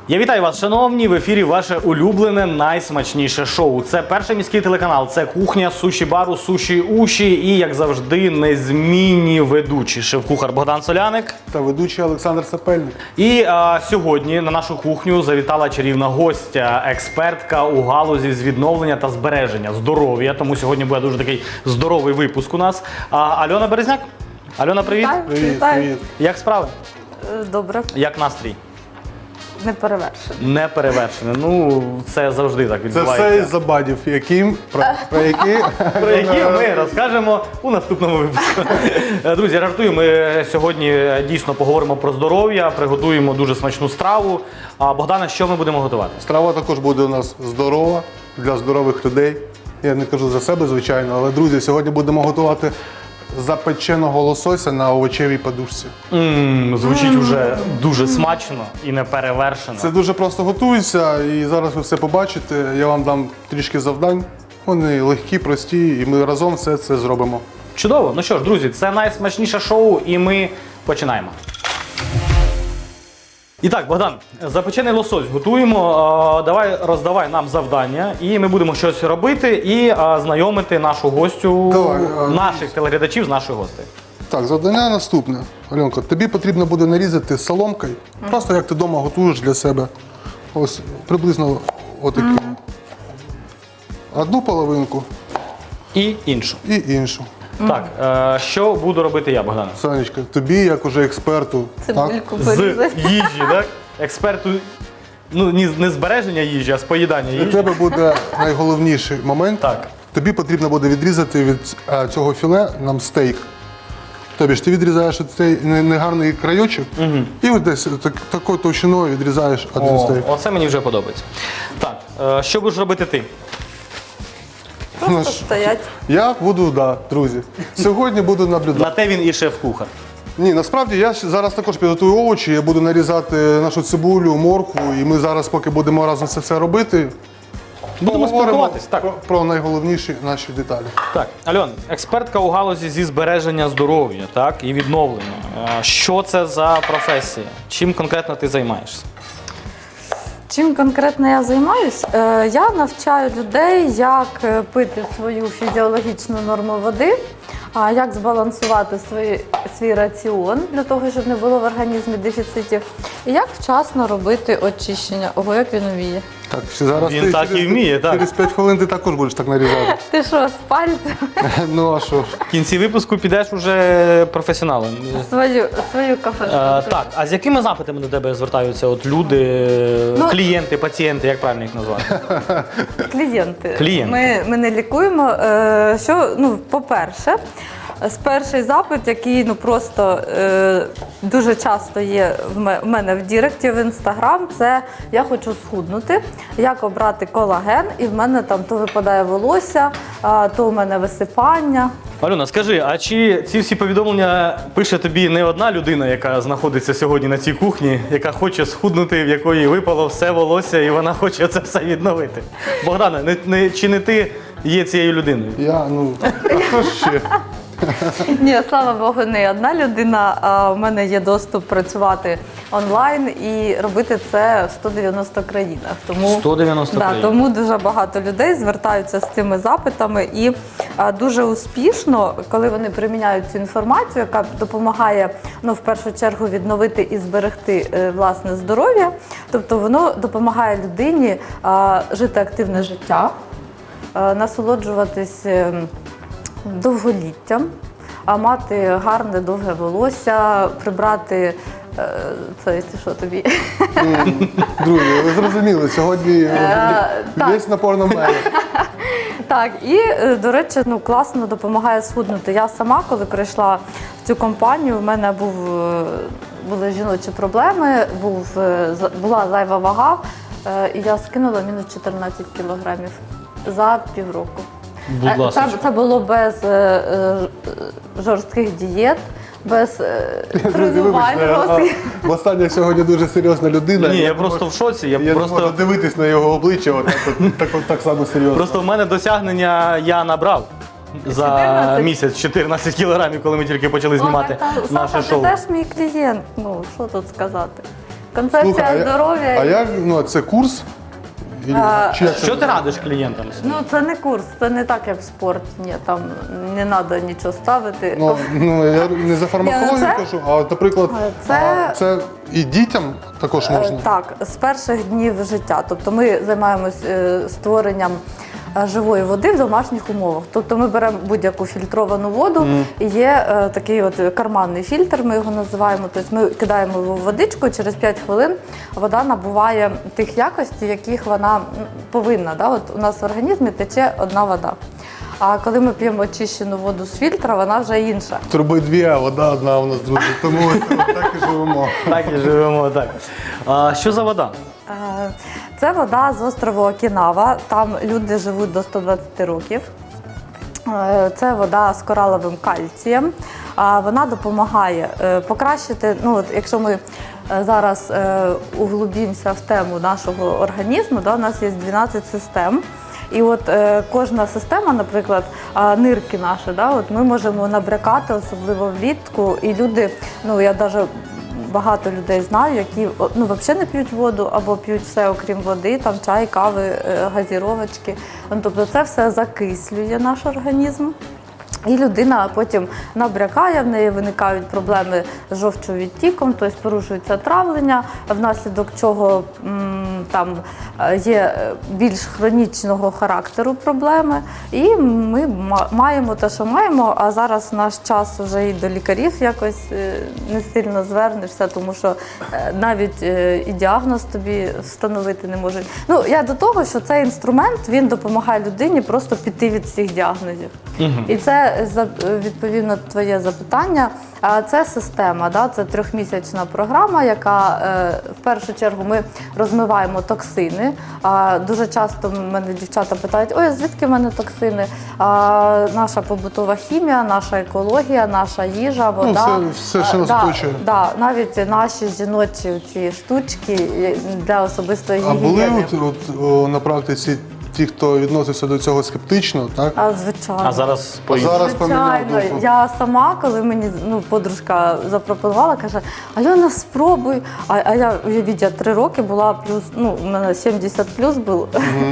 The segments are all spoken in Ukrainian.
Я вітаю вас, шановні, в ефірі ваше улюблене, найсмачніше шоу. Це перший міський телеканал, це кухня суші-бару, суші-уші і, як завжди, незмінні ведучі. Шеф-кухар Богдан Соляник. Та ведучий Олександр Сапельник. І сьогодні на нашу кухню завітала чарівна гостя, експертка у галузі з відновлення та збереження здоров'я. Тому сьогодні буде дуже такий здоровий випуск у нас. Альона Березняк. Альона, привіт. Привіт, привіт. Як справи? Добре, Як настрій? не перевершено. Не перевершене. Ну, це завжди так Це відбувається. все із-за бадів, про які Про які ми розкажемо у наступному випуску. Друзі, жартую, ми сьогодні дійсно поговоримо про здоров'я, приготуємо дуже смачну страву. А Богдане, що ми будемо готувати? страва також буде у нас здорова, для здорових людей. Я не кажу за себе, звичайно, але, друзі, сьогодні будемо готувати запеченого лосося на овочевій подушці. Звучить уже дуже смачно і неперевершено. Це дуже просто готується, і зараз ви все побачите. Я вам дам трішки завдань. Вони легкі, прості, і ми разом все це зробимо. Чудово. Ну що ж, друзі, це найсмачніше шоу, і ми починаємо. І так, Богдан, запечений лосось готуємо. Давай роздавай нам завдання, і ми будемо щось робити і знайомити нашу гостю, наших телеглядачів з нашою гостею. Так, завдання наступне. Альонко, тобі потрібно буде нарізати соломкою, просто як ти вдома готуєш для себе. Ось приблизно отакі. Одну половинку І іншу. і іншу. Так, що буду робити я, Богдан? Сонечка, тобі, як уже експерту, Цибульку З порізати. їжі, так? Експерту, ну, не збереження їжі, а з поїдання для їжі. тебе буде найголовніший момент. Так. Тобі потрібно буде відрізати від цього філе нам стейк. Тобі ж ти відрізаєш цей негарний крайочок і от десь такою товщиною відрізаєш один стейк. Оце мені вже подобається. Так, що будеш робити ти? Просто стоять. Я буду, друзі. Сьогодні буду наблюдати. На те він і шеф-кухар. Ні, насправді я зараз також підготую овочі, я буду нарізати нашу цибулю, моркву, і ми зараз, поки будемо разом це все робити, Будемо поговоримо спілкуватись, так. про найголовніші наші деталі. Так, Альон, експертка у галузі зі збереження здоров'я, так, і відновлення. Що це за професія? Чим конкретно ти займаєшся? Чим конкретно я займаюсь? Я навчаю людей, як пити свою фізіологічну норму води, як збалансувати свій раціон для того, щоб не було в організмі дефіцитів, і як вчасно робити очищення. Ого, як він вміє. Так, зараз Він так і вміє, так. Через 5 хвилин ти також будеш так нарізати. Ти що, з пальцем? Ну а що ж? В кінці випуску підеш уже професіоналом. Свою кафешку. Так, а з якими запитами до тебе звертаються от люди, клієнти, пацієнти, як правильно їх назвати? Клієнти. Клієнти. Ми не лікуємо. По-перше, перший запит, який просто дуже часто є в мене в Діректі, в Інстаграм, це я хочу схуднути, як обрати колаген, і в мене там то випадає волосся, то в мене висипання. Альона, скажи, а чи ці всі повідомлення пише тобі не одна людина, яка знаходиться сьогодні на цій кухні, яка хоче схуднути, в якої випало все волосся, і вона хоче це все відновити? Богдане, чи не ти є цією людиною? А хто ж ще? Ні, слава Богу, не одна людина, а в мене є доступ працювати онлайн і робити це в 190 країнах. Тому, 190 країн. Тому дуже багато людей звертаються з цими запитами і дуже успішно, коли вони приміняють цю інформацію, яка допомагає, в першу чергу відновити і зберегти власне здоров'я, тобто воно допомагає людині жити активне життя, насолоджуватись довголіттям, мати гарне довге волосся, прибрати це, що тобі. Друзі, ви зрозуміли, сьогодні весь напор на мене. Так, і, до речі, класно допомагає схуднути. Я сама, коли прийшла в цю компанію, в мене були жіночі проблеми, була зайва вага, і я скинула мінус 14 кілограмів за півроку. Будь ласка. Це було без жорстких дієт, без тренувань. Востаннє сьогодні дуже серйозна людина. Ні, я просто в шоці. Я не можу дивитись на його обличчя, так само серйозно. Просто в мене досягнення я набрав. За 14? місяць 14 кілограмів, коли ми тільки почали знімати наше Саша, шоу. ти теж мій клієнт, що тут сказати. Концепція Слухай, здоров'я. А як, ну, це курс? Чи як це? Що ти радиш клієнтам? Ну, це не курс, це не так, як в спорті. Ні, там не треба нічого ставити. Ну, я не за фармакологію це- кажу, а от, наприклад, це- це і дітям також можна? Так, з перших днів життя. Тобто ми займаємось створенням живої води в домашніх умовах. Тобто ми беремо будь-яку фільтровану воду, і є такий от карманний фільтр, ми його називаємо. Тобто ми кидаємо його в водичку, і через 5 хвилин вода набуває тих якостей, яких вона повинна. Да? От у нас в організмі тече одна вода. А коли ми п'ємо очищену воду з фільтра, вона вже інша. Труби дві, а вода одна у нас, друзі. Тому так і живемо. Так і живемо, так. А що за вода? Це вода з острову Окінава. Там люди живуть до 120 років. Це вода з кораловим кальцієм. Вона допомагає покращити, ну от якщо ми зараз углубимося в тему нашого організму, да, у нас є 12 систем. І от кожна система, наприклад, нирки наші, да, от ми можемо набрякати, особливо влітку. І люди, ну я навіть багато людей знаю, які ну, взагалі не п'ють воду або п'ють все, окрім води, там чай, кави, газіровочки. Тобто це все закислює наш організм. І людина потім набрякає, в неї виникають проблеми з жовчовідтіком, тобто порушується травлення, внаслідок чого там є більш хронічного характеру проблеми. І ми маємо те, що маємо, а зараз в наш час вже і до лікарів якось не сильно звернешся, тому що навіть і діагноз тобі встановити не можуть. Ну, я до того, що цей інструмент, він допомагає людині просто піти від всіх діагнозів. І це відповів на твоє запитання. Це система, да? Це 3-місячна програма, яка в першу чергу ми розмиваємо токсини. Дуже часто мене дівчата питають, ой, звідки в мене токсини? Наша побутова хімія, наша екологія, наша їжа, вода. Ну, все, що нас оточує. Навіть наші жіночі ці штучки для особистої А гігієни. були на практиці ті, хто відносився до цього скептично, так? Звичайно. А зараз Зараз поміняв Звичайно, думку. я сама, коли мені подружка запропонувала, каже, Альона, спробуй. А я, уявіть, я 3 роки була плюс, ну, у мене 70 плюс була.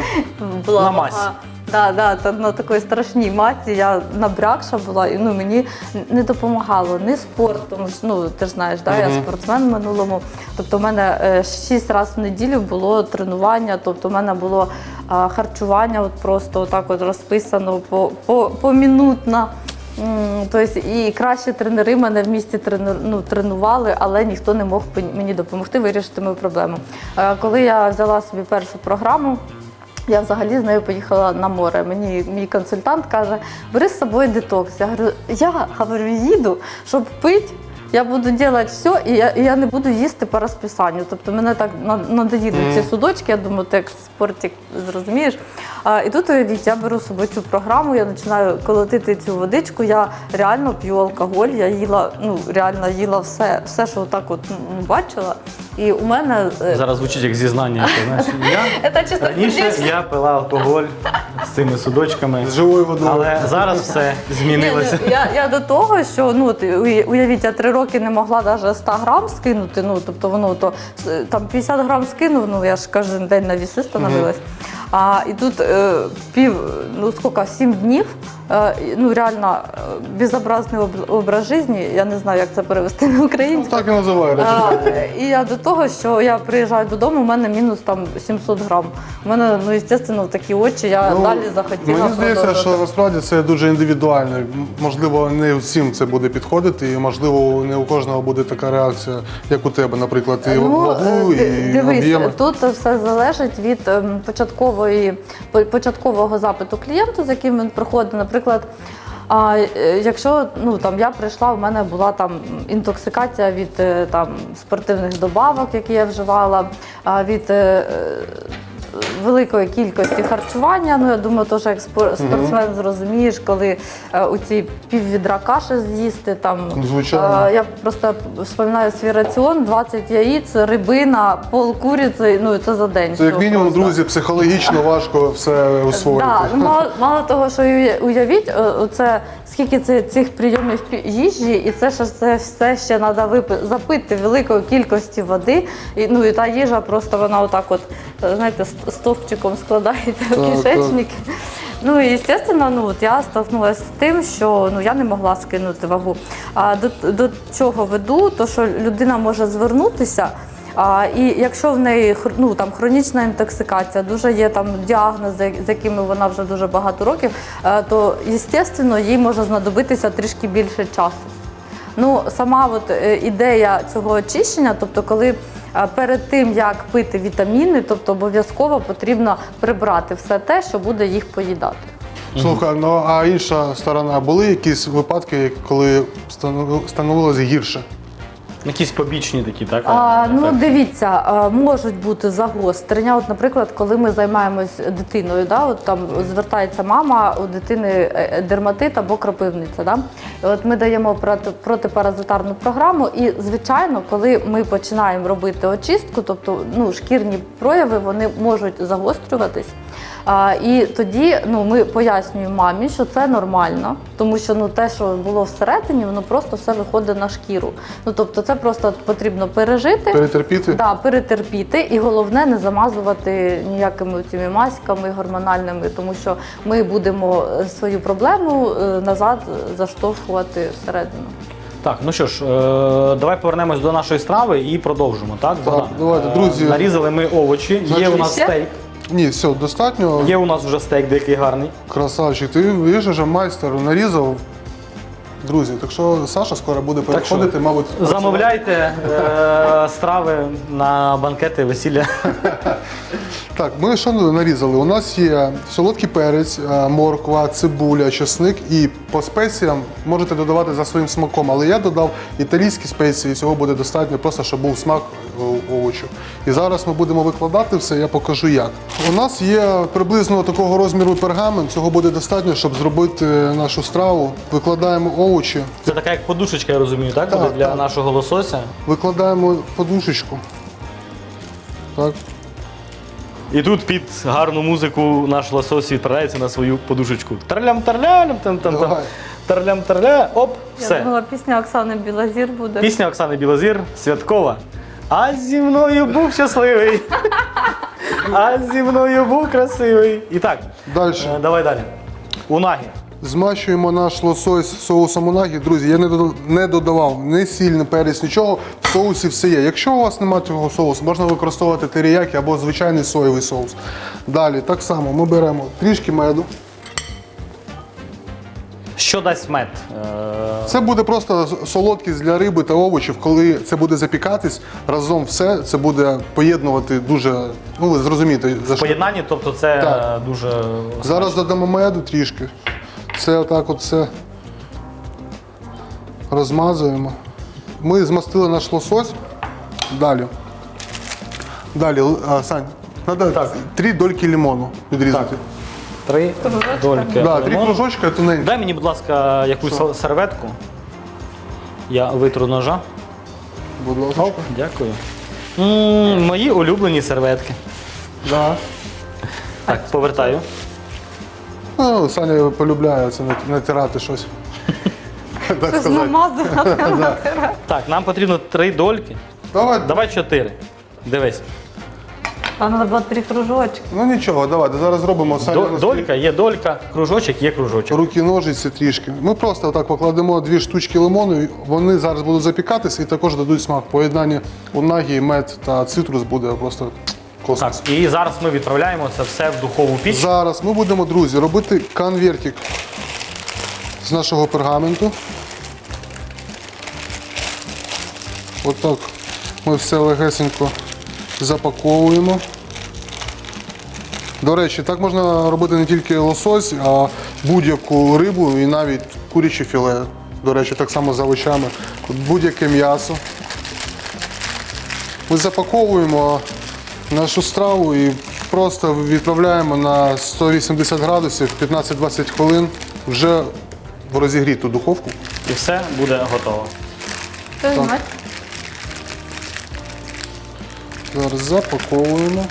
На масі. Так, на такій страшній масі я набрякша була, і ну, мені не допомагало ні спорт, тому що, ну, ти ж знаєш, да, я спортсмен в минулому. Тобто в мене 6 разів в неділю було тренування, тобто в мене було харчування от просто отак от розписано помінутно. Тобто і кращі тренери мене в місті тренували, але ніхто не мог мені допомогти вирішити мою проблему. Коли я взяла собі першу програму, я взагалі з нею поїхала на море. Мені мій консультант каже, бери з собою детокс. Я говорю, їду, щоб пити. Я буду робити все, і я не буду їсти по розписанню. Тобто мене так надоїли ці судочки, я думаю, ти як спортик зрозумієш. І тут, уявіть, я беру з собою цю програму, я починаю колотити цю водичку, я реально п'ю алкоголь, я їла, ну, реально їла все, що отак от бачила. І у мене... Зараз звучить як зізнання. Ти знаєш, Це чисто раніше сердечно. я пила алкоголь з цими судочками, З живою водою. але зараз все змінилося. Я до того, що ну от, уявіть, я 3 роки не могла навіть 100 грам скинути. Ну тобто воно то там 50 грам скинув. Ну я ж кожен день на віси становилась. І тут 7 днів. Ну реально безобразний образ життя. Я не знаю, як це перевести на українську. Так і називають. І я до того, що я приїжджаю додому, у мене мінус там 700 грам. У мене, ну, звісно, такі очі, я далі захотіла Мені здається, продовжити. що насправді це дуже індивідуально. Можливо, не всім це буде підходити, і можливо, не у кожного буде така реакція, як у тебе, наприклад, і вагу, і дивись, об'єми. тут все залежить від початкового запиту клієнту, з яким він приходить. Наприклад, якщо ну, там, я прийшла, у мене була там інтоксикація від там, спортивних добавок, які я вживала, від великої кількості харчування. Ну, я думаю, теж як спортсмен зрозумієш, коли у ці піввідра каші з'їсти. Там, Звичайно. я просто вспоминаю свій раціон, 20 яєць, рибина, пол куриці, ну і це за день. Це як все мінімум, просто. друзі, психологічно важко все освоїти. Да, ну, мало того, що уявіть, оце, скільки цих прийомів їжі, і це все ще треба запити великої кількості води. І, ну, і та їжа просто вона отак от, знаєте, стовпчиком складається в кишечники. Ну і, звісно, ну, от я стикнулася з тим, що ну, я не могла скинути вагу. А до чого веду, то що людина може звернутися, і якщо в неї ну, там, хронічна інтоксикація, дуже є там діагнози, з якими вона вже дуже багато років, то, звісно, їй може знадобитися трішки більше часу. Ну, сама от ідея цього очищення, тобто коли перед тим, як пити вітаміни, тобто обов'язково потрібно прибрати все те, що буде їх поїдати. Слухай, ну а інша сторона, були якісь випадки, коли становилось гірше? Якісь побічні такі, так? Ну, дивіться, можуть бути загострення. От, наприклад, коли ми займаємось дитиною, да, от там звертається мама, у дитини дерматит або кропивниця. Да? І от ми даємо протипаразитарну програму, і, звичайно, коли ми починаємо робити очистку, тобто ну, шкірні прояви, вони можуть загострюватись. І тоді ну, ми пояснюємо мамі, що це нормально, тому що ну, те, що було всередині, воно просто все виходить на шкіру. Ну, тобто це просто потрібно пережити, Перетерпіти? Да, перетерпіти, і головне не замазувати ніякими цими маськами гормональними, тому що ми будемо свою проблему назад заштовхувати всередину. Так, ну що ж, давай повернемось до нашої страви і продовжимо, так? Так, давайте, друзі. Нарізали ми овочі, є у нас Ще? стейк. Ні, все, достатньо. Є у нас вже стейк деякий гарний. Красавчик, ти видиш, вже майстер нарізав. Друзі, так що Саша скоро буде переходити, мабуть. Замовляйте страви на банкети, весілля. Так, ми що нарізали? У нас є солодкий перець, морква, цибуля, чесник і по спеціям можете додавати за своїм смаком, але я додав італійські спеції, цього буде достатньо, просто щоб був смак овочів. І зараз ми будемо викладати все, я покажу як. У нас є приблизно такого розміру пергамент, цього буде достатньо, щоб зробити нашу страву. Викладаємо овочі, Це така як подушечка, я розумію, так? Так, Буде для так. нашого лосося. викладаємо подушечку. Так. І тут під гарну музику наш лосось відправляється на свою подушечку. Тарлям-тарлям, там-там-там. Давай. Тарлям-тарля, оп, Я все. думала, пісня Оксани Білозір буде. Пісня Оксани Білозір, святкова. А зі мною був щасливий. А зі мною був красивий. І так, Далі. давай далі. Унагі. Змащуємо наш лосось соусом унагі. Друзі, я не додавав ні сіль, ні перець, нічого. В соусі все є. Якщо у вас немає цього соусу, можна використовувати теріякі або звичайний соєвий соус. Далі, так само, ми беремо трішки меду. Що дасть мед? Це буде просто солодкість для риби та овочів. Коли це буде запікатись, разом все це буде поєднувати дуже, ну ви зрозумієте, за В що. поєднанні, тобто це Так. дуже... Зараз додамо меду трішки. Це отак от все розмазуємо. Ми змастили наш лосось. Далі. Далі, Сань, треба 3 дольки лимону відрізати. 3 дольки. Да, 3 лимону. кружочка тоненькі. Дай мені, будь ласка, якусь серветку. Я витру ножа. Будь ласка. Оп, дякую. Мої улюблені серветки. Да. Так, повертаю. Ну, Саня полюбляє це натирати щось. Так Щось сказати. намазувати. Да. Так, нам потрібно 3 дольки. Давай. 4. Дивись. А треба було 3 кружочки. Ну нічого, давайте зараз зробимо Саня. Долька є долька, кружочок є кружочок. Руки, ножиці трішки. Ми просто отак покладемо 2 штучки лимону, вони зараз будуть запікатися і також дадуть смак. Поєднання унагі, мед та цитрус буде просто космос. Так, і зараз ми відправляємо це все в духову піч. Зараз ми будемо, друзі, робити конвертик з нашого пергаменту. Отак ми все легесенько запаковуємо. До речі, так можна робити не тільки лосось, а будь-яку рибу і навіть куряче філе. До речі, так само з овочами. Будь-яке м'ясо. Ми запаковуємо нашу страву і просто відправляємо на 180 градусів, 15-20 хвилин вже в розігріту духовку. І все буде готово. Приймать. Зараз запаковуємо.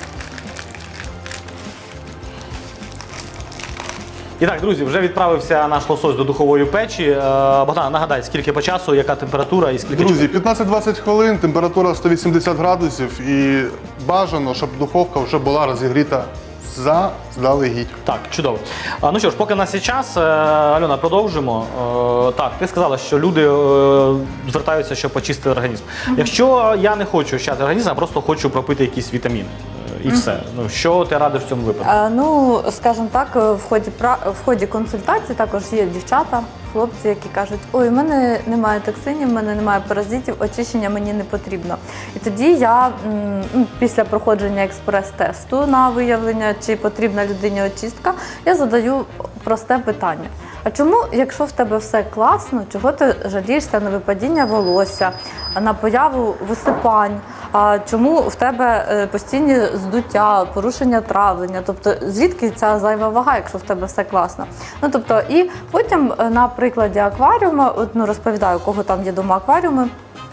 І так, друзі, вже відправився наш лосось до духової печі. Богдан, нагадай, скільки по часу, яка температура і скільки Друзі, 15-20 хвилин, температура 180 градусів і бажано, щоб духовка вже була розігріта заздалегідь. Так, чудово. Ну що ж, поки в нас є час, Альона, продовжимо. Так, ти сказала, що люди звертаються, щоб почистити організм. Якщо я не хочу очищати організм, а просто хочу пропити якісь вітаміни і все. Ну, що ти радиш в цьому випадку? Ну, скажімо так, в ході консультації також є дівчата, хлопці, які кажуть, ой, в мене немає токсинів, в мене немає паразитів, очищення мені не потрібно. І тоді я після проходження експрес-тесту на виявлення, чи потрібна людині очистка, я задаю просте питання. А чому, якщо в тебе все класно, чого ти жалієшся на випадіння волосся, на появу висипань? А чому в тебе постійні здуття, порушення травлення? Тобто звідки ця зайва вага, якщо в тебе все класно? Ну тобто, і потім на прикладі акваріуму, розповідаю, у кого там є дома акваріуми.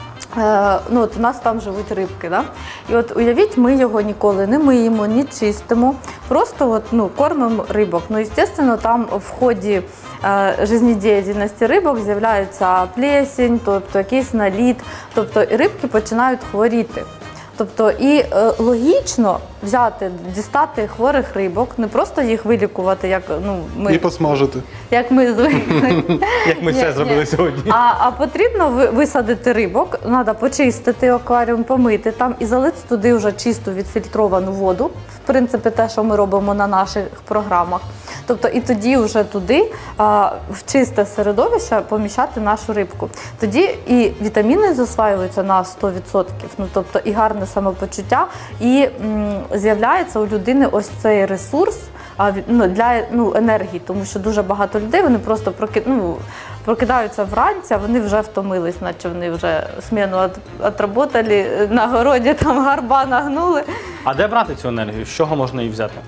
От у нас там живуть рибки, да? І от уявіть, ми його ніколи не миємо, не чистимо, просто кормимо рибок. Ну, звісно, там в ході життєдіяльності рибок з'являється плесень, тобто якийсь наліт, тобто і рибки починають хворіти. Тобто і логічно дістати хворих рибок, не просто їх вилікувати, як ми. І посмажити. Як ми звикли. Як ми це зробили сьогодні. А потрібно висадити рибок, треба почистити акваріум, помити там і залити туди вже чисту відфільтровану воду. В принципі, те, що ми робимо на наших програмах. Тобто і тоді вже туди в чисте середовище поміщати нашу рибку. Тоді і вітаміни засваюються на 100%, тобто і гарне самопочуття, і з'являється у людини ось цей ресурс для енергії, тому що дуже багато людей, вони просто прокидаються вранці, а вони вже втомились, наче вони вже зміну відработали, на городі там гарба нагнули. А де брати цю енергію? З чого можна її взяти?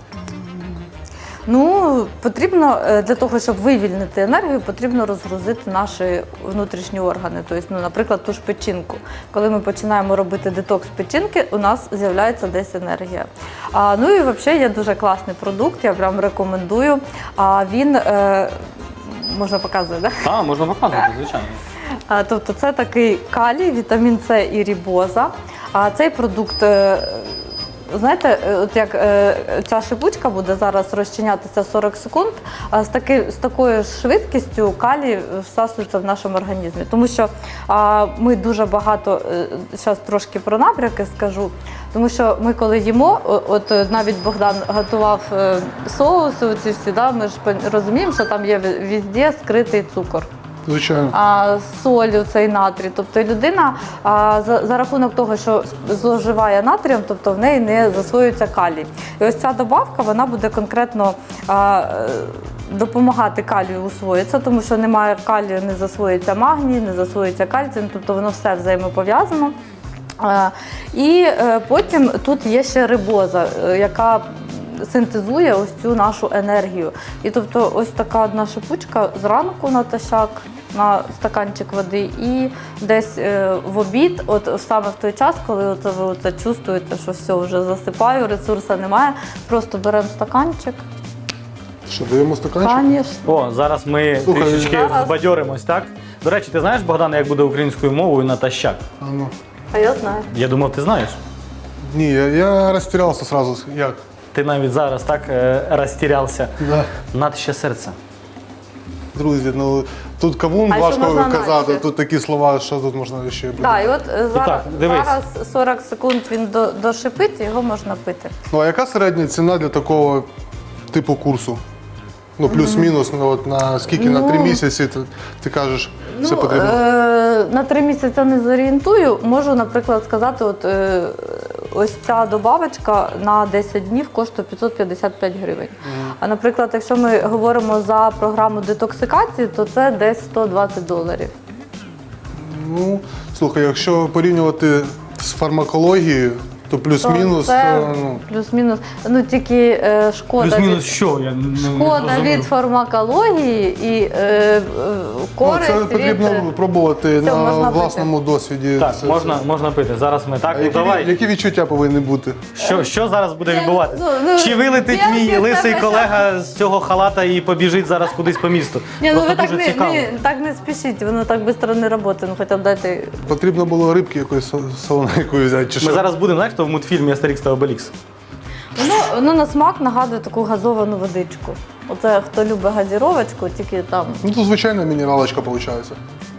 Потрібно для того, щоб вивільнити енергію, потрібно розгрузити наші внутрішні органи. Тобто, наприклад, ту ж печінку. Коли ми починаємо робити детокс печінки, у нас з'являється десь енергія. І взагалі є дуже класний продукт, я прям рекомендую. Він, можна показувати, так? Так, можна показувати, звичайно. Тобто це такий калій, вітамін С і рибоза. Цей продукт, знаєте, от як ця шипучка буде зараз розчинятися 40 секунд, з такою швидкістю калій всасується в нашому організмі. Тому що ми дуже багато, зараз трошки про набряки скажу, тому що ми коли їмо, от навіть Богдан готував соуси, оці всі, ми ж розуміємо, що там є везде скритий цукор. Звичайно. Соль, цей натрій. Тобто людина за рахунок того, що зловживає натрієм, тобто в неї не засвоюється калій. І ось ця добавка, вона буде конкретно допомагати калію усвоїтися, тому що немає калію, не засвоюється магній, не засвоюється кальцій, тобто воно все взаємопов'язано. І потім тут є ще рибоза, яка синтезує ось цю нашу енергію. І тобто ось така одна шипучка зранку натощак, на стаканчик води і десь в обід, от саме в той час, коли ви чувствуєте, що все, вже засипаю, ресурсу немає, просто беремо стаканчик. Що, даємо стаканчик? Конечно. О, зараз ми трішечки збадьоримось, так? До речі, ти знаєш, Богдане, як буде українською мовою натощак? А я знаю. Я думав, ти знаєш. Ні, я розтірявся одразу. Як? Ти навіть зараз так розтірявся. Да. Над серце. Друзі, тут кавун важко казати, тут такі слова, що тут можна ще буде. Так, і от зараз, дивись. 40 секунд він дошипить, його можна пити. А яка середня ціна для такого типу курсу? Плюс-мінус, на скільки, на 3 місяці ти кажеш, все потрібно? На 3 місяці не зорієнтую. Можу, наприклад, сказати, ось ця добавочка на 10 днів коштує 555 гривень. А, наприклад, якщо ми говоримо за програму детоксикації, то це десь $120. Слухай, якщо порівнювати з фармакологією, То плюс-мінус. Це Ну, плюс-мінус. Ну тільки шкода. Плюс-мінус що? Я не Шкода зрозумів. від фармакології і користь це потрібно від... пробувати Це на можна пити. власному досвіді. Так, Це- можна пити. Зараз ми так. А Ну, які, давай. які відчуття повинні бути? Що зараз буде відбуватися? ну, Чи вилетить я мій від лисий тебе колега з цього халата і побіжить зараз кудись по місту? Ні, ну Просто ви так дуже не, цікаво. так не спішіть, воно так швидко не працює, ну хоча б дайте. Потрібно було рибки якоїсь солоненької взяти. Чи Ми що? зараз будемо, знаєш, хто в мультфільмі Астерікс та Обелікс. Воно на смак нагадує таку газовану водичку. Оце хто любить газіровочку, тільки там. Ну, то звичайна мінералочка виходить.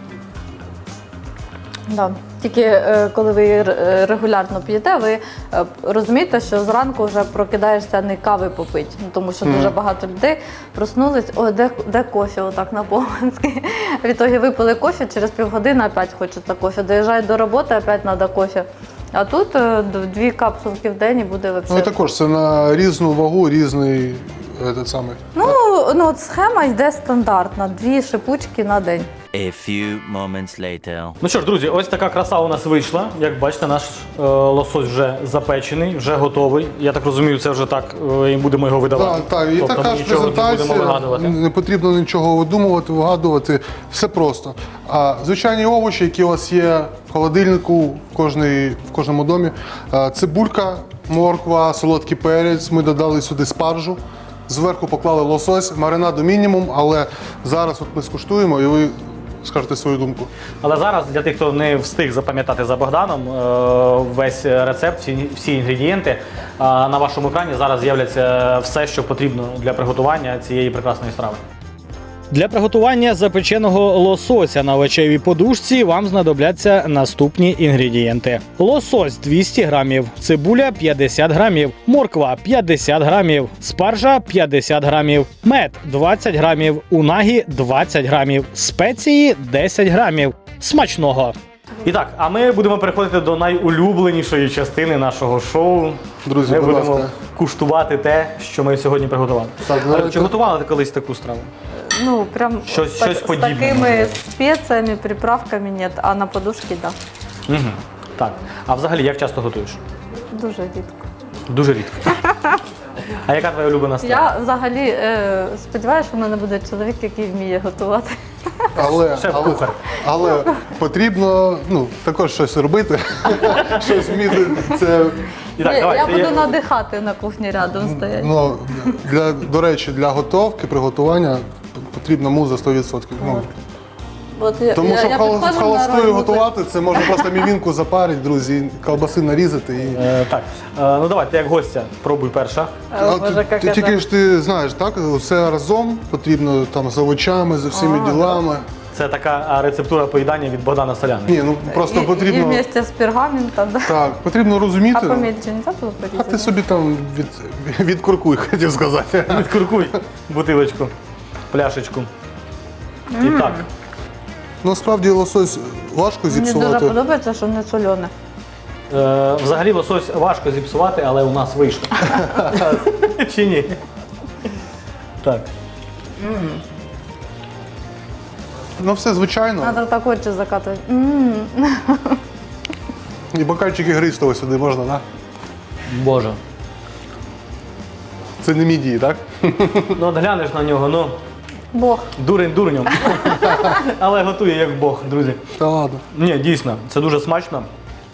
Да. Тільки коли ви її регулярно п'єте, ви розумієте, що зранку вже прокидаєшся не кави попити, ну, тому що дуже багато людей проснулись, де кофе, отак на Богонській. В ітогі випили кофе, через півгодини опять хочеться кофе. Доїжджають до роботи, опять треба кофе. А тут 2 капсулки в день і буде Ну і взагалі. також це на різну вагу, різний этот самий. Ну, от схема йде стандартна, 2 шипучки на день. A few moments later. Ну що ж, друзі, ось така краса у нас вийшла. Як бачите, наш лосось вже запечений, вже готовий. Я так розумію, це вже так і будемо його видавати. Так, і Тобто така ми ж нічого не будемо презентація, вигадувати. не потрібно нічого видумувати, вигадувати, все просто. А звичайні овочі, які у вас є в холодильнику в кожному домі, цибулька, морква, солодкий перець, ми додали сюди спаржу, зверху поклали лосось, маринаду мінімум, але зараз от ми скуштуємо і ви скажете свою думку. Але зараз для тих, хто не встиг запам'ятати за Богданом, весь рецепт, всі інгредієнти на вашому екрані зараз з'являться все, що потрібно для приготування цієї прекрасної страви. Для приготування запеченого лосося на овочевій подушці вам знадобляться наступні інгредієнти. Лосось 200 грамів, цибуля 50 грамів, морква 50 грамів, спаржа 50 грамів, мед 20 грамів, унагі 20 грамів, спеції 10 грамів. Смачного! І так, а ми будемо переходити до найулюбленішої частини нашого шоу. Друзі, ми будь будемо ласка. куштувати те, що ми сьогодні приготували. Так, Чи давайте. готували ти колись таку страву? Ну, прям Щось з подібне, такими може. спеціями, приправками нет, а на подушці да. Угу. Так. А взагалі, як часто готуєш? Дуже рідко. Дуже рідко. А яка твоя улюблена страва? Я взагалі сподіваюся, що в мене буде чоловік, який вміє готувати. Шеф-кухар. Але потрібно також щось робити, щось вміти. Це, І так, я давай, ти- буду надихати на кухні рядом стояти. до речі, для готовки, приготування потрібна муза 100%. От я, Тому що я в підходжу на роль холостою музи. готувати, це можна просто мівінку запарити, друзі, колбаси нарізати. І... Так. Ну давай, ти як гостя, пробуй перша. Боже, як це. Тільки ж ти знаєш, так? Все разом потрібно там з овочами, з всіми ділами. Це така рецептура поїдання від Богдана Соляни. Ні, просто І потрібно. вместе з пергаментом, да. Так, потрібно розуміти. А помельче не так було А порізати? ти собі там відкуркуй, хотів сказати. Відкуркуй бутилочку, пляшечку. І так. Ну, справді лосось важко Мені дуже зіпсувати. подобається, що не солене. Взагалі лосось важко зіпсувати, але у нас вийшло. Чи ні? Так. Ну, все звичайно. Треба так очі закатувати. І бокальчики гристого сюди можна, так? Боже. Це не мідії, так? Ну от глянеш на нього, ну, Бог. дурень дурнем. Але готує як Бог, друзі. Та ладно. Ні, дійсно, це дуже смачно.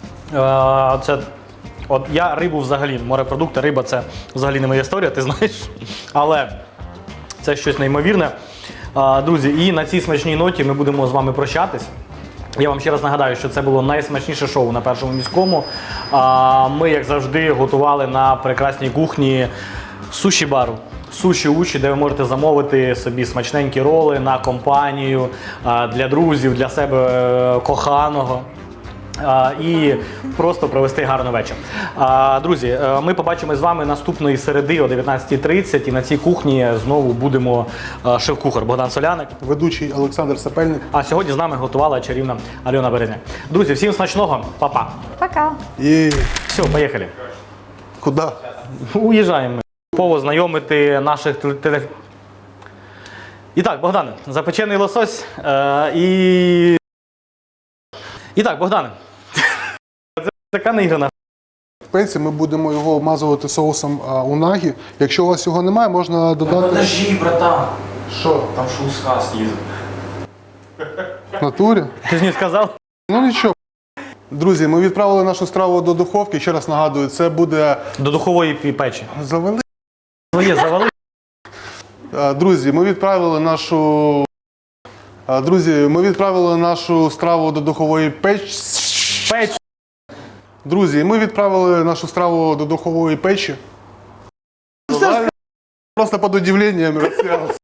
От я рибу взагалі, морепродукти, риба це взагалі не моя історія, ти знаєш. Але це щось неймовірне. Друзі, і на цій смачній ноті ми будемо з вами прощатись. Я вам ще раз нагадаю, що це було найсмачніше шоу на Першому міському. Ми, як завжди, готували на прекрасній кухні суші-бару. Суші-учі, де ви можете замовити собі смачненькі роли на компанію, для друзів, для себе коханого. І просто провести гарний вечір. Друзі, ми побачимось з вами наступної середи о 19:30 і на цій кухні знову будемо шеф-кухар Богдан Соляник. Ведучий Олександр Сапельник. А сьогодні з нами готувала чарівна Альона Березня. Друзі, всім смачного, па-па. Пока. І Все, поїхали. куди? Уїжджаємо ми. Повод знайомити наших теле... І так, Богдане, запечений лосось І так, Богдане, це така неіграна. спеції, ми будемо його обмазувати соусом унагі. Якщо у вас його немає, можна додати. Подожди, братан. Що? Там шуска снизу. В натурі? Ти ж не сказав? Ну нічого. Друзі, ми відправили нашу страву до духовки. Ще раз нагадую, це буде До духової печі. завели. Своє завали. Друзі, ми відправили нашу страву до духової печі. Печ. Друзі, ми відправили нашу страву до духової печі. Просто під удивленням розсміявся.